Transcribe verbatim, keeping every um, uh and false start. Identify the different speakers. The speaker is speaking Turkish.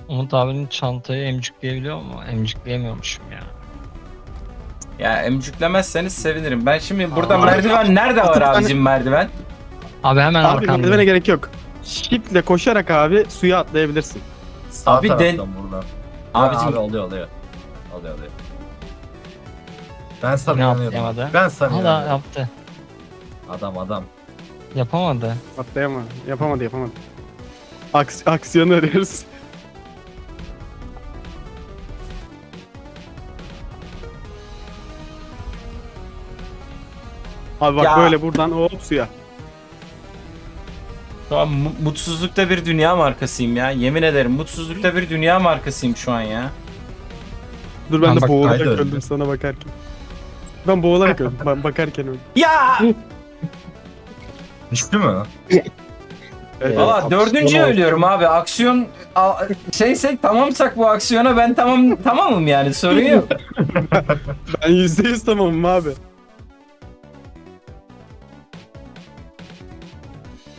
Speaker 1: Umut abinin çantayı emcikleyebiliyor mu? Emcikleyemiyormuşum ya.
Speaker 2: Ya emcüklemezseniz sevinirim. Ben şimdi burada
Speaker 1: Aa.
Speaker 2: merdiven nerede var abicim merdiven?
Speaker 1: Abi hemen
Speaker 3: Abi merdivene
Speaker 1: arkanda.
Speaker 3: gerek yok. Shift'le koşarak abi suya atlayabilirsin.
Speaker 4: Sağ
Speaker 2: Abi
Speaker 4: taraftan
Speaker 2: den-
Speaker 4: buradan.
Speaker 2: Abicim-
Speaker 4: Abi oluyor oluyor. Oluyor oluyor. Ben
Speaker 1: Ne
Speaker 4: sana
Speaker 1: yaptı
Speaker 4: inanıyorum.
Speaker 1: yemedi?
Speaker 4: Ben sana
Speaker 1: Hala
Speaker 4: inanıyorum.
Speaker 1: yaptı.
Speaker 4: Adam adam.
Speaker 1: Yapamadı.
Speaker 3: Atlayamadı. Yapamadı yapamadı. Aks aksiyonu arıyoruz. Abi bak
Speaker 2: Ya.
Speaker 3: böyle buradan hop suya.
Speaker 2: Şu an mu- mutsuzlukta bir dünya markasıyım ya. Yemin ederim mutsuzlukta bir dünya markasıyım şu an ya.
Speaker 3: Dur ben
Speaker 1: Ben
Speaker 3: de
Speaker 1: bak-
Speaker 3: boğularak
Speaker 4: Haydi
Speaker 3: öldüm
Speaker 4: öldüm.
Speaker 3: sana bakarken. Ben boğularak öldüm. Ben bakarken öldüm.
Speaker 2: Ya!
Speaker 4: Düştü mü?
Speaker 3: Evet,
Speaker 2: Valla
Speaker 3: evet.
Speaker 2: dördüncü
Speaker 3: Aksiyonu
Speaker 2: ölüyorum abi. Aksiyon a- şeysek tamamsak bu aksiyona ben tamam tamamım yani sorun yok.
Speaker 3: Ben yüzde yüz tamamım abi.